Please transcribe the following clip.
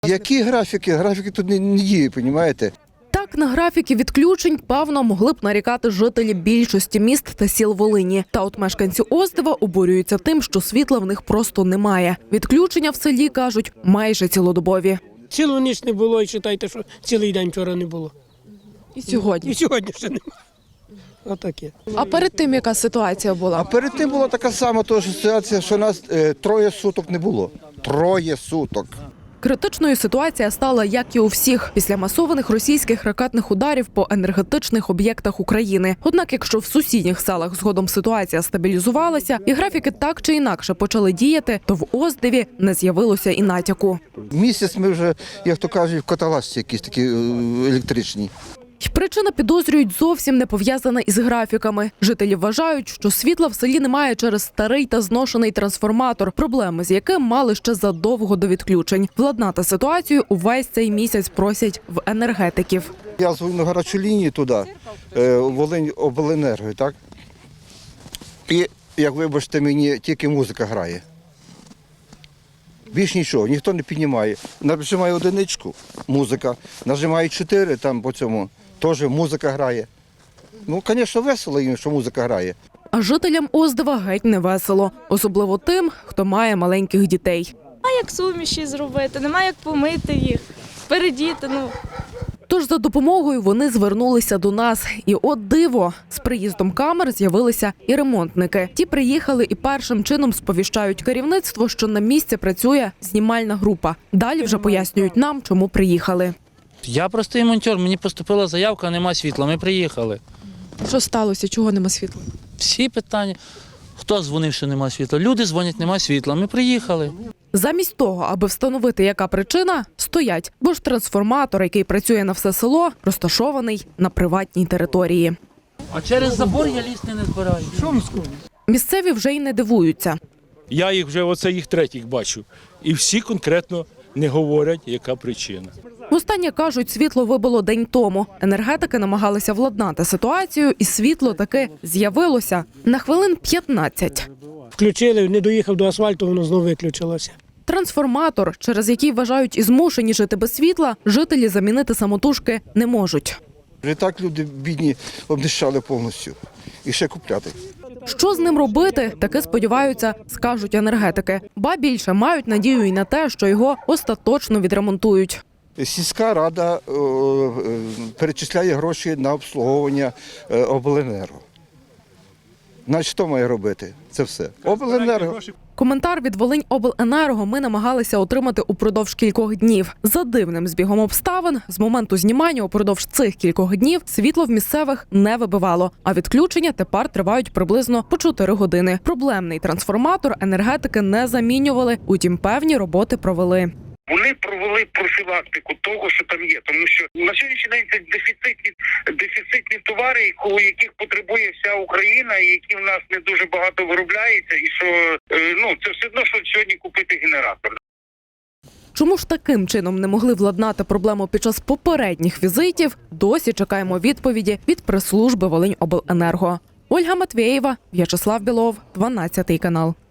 Які графіки? Графіки тут не діють, розумієте? Так, на графіки відключень, певно, могли б нарікати жителі більшості міст та сіл Волині. Та от мешканці Оздива обурюються тим, що світла в них просто немає. Відключення в селі, кажуть, майже цілодобові. Цілу ніч не було, і вважайте, що цілий день вчора не було. І сьогодні. І сьогодні ще немає. Отаке. А перед тим яка ситуація була? А перед тим була така сама ситуація, що нас 3 суток не було. 3 суток. Критичною ситуація стала, як і у всіх, після масованих російських ракетних ударів по енергетичних об'єктах України. Однак, якщо в сусідніх селах згодом ситуація стабілізувалася і графіки так чи інакше почали діяти, то в Оздиві не з'явилося і натяку. Місяць ми вже, як то кажуть, в каталажці якісь такі електричні. І причина, підозрюють, зовсім не пов'язана із графіками. Жителі вважають, що світла в селі немає через старий та зношений трансформатор, проблеми з яким мали ще задовго до відключень. Владнати ситуацію увесь цей місяць просять в енергетиків. Я дзвоню на гарячу лінію туди, Волинь обленерго, так? І, як вибачте мені, тільки музика грає. Більш нічого, ніхто не піднімає. Нажимаю одиничку, музика, нажимаю 4, там по цьому, теж музика грає. Ну, звісно, весело їм, що музика грає. А жителям Оздива геть не весело. Особливо тим, хто має маленьких дітей. А як суміші зробити? Немає як помити їх, передіти, Тож за допомогою вони звернулися до нас. І от диво, з приїздом камер з'явилися і ремонтники. Ті приїхали і першим чином сповіщають керівництво, що на місці працює знімальна група. Далі вже пояснюють нам, чому приїхали. Я простий монтер, мені поступила заявка, нема світла, ми приїхали. Що сталося? Чого нема світла? Всі питання. Хто дзвонив, що нема світла? Люди дзвонять, нема світла, ми приїхали. Замість того, аби встановити, яка причина, стоять. Бо ж трансформатор, який працює на все село, розташований на приватній території. А через забор я лізти не збираю. Місцеві вже й не дивуються. Я їх вже, оце їх третіх бачу. І всі конкретно не говорять, яка причина. Востаннє, кажуть, світло вибило день тому. Енергетики намагалися владнати ситуацію, і світло таки з'явилося на хвилин 15. Включили, не доїхав до асфальту, воно знову виключилося. Трансформатор, через який вважають і змушені жити без світла, жителі замінити самотужки не можуть. Вже так люди бідні обнищали повністю. І ще купляти. Що з ним робити, таки сподіваються, скажуть енергетики. Ба більше мають надію і на те, що його остаточно відремонтують. Сільська рада перечисляє гроші на обслуговування обленерго. Значить, хто має робити? Це все. Обленерго. Коментар від Волиньобленерго ми намагалися отримати упродовж кількох днів. За дивним збігом обставин, з моменту знімання упродовж цих кількох днів світло в місцевих не вибивало, а відключення тепер тривають приблизно по 4 години. Проблемний трансформатор енергетики не замінювали, утім певні роботи провели. Вони провели профілактику того, що там є, тому що на сьогоднішній день це дефіцитні товари, яких потребує вся Україна, і які в нас не дуже багато виробляється, і що це все одно, що сьогодні купити генератор. Чому ж таким чином не могли владнати проблему під час попередніх візитів, досі чекаємо відповіді від прес-служби Волиньобленерго. Ольга Матвєєва, В'ячеслав Білов, 12 канал.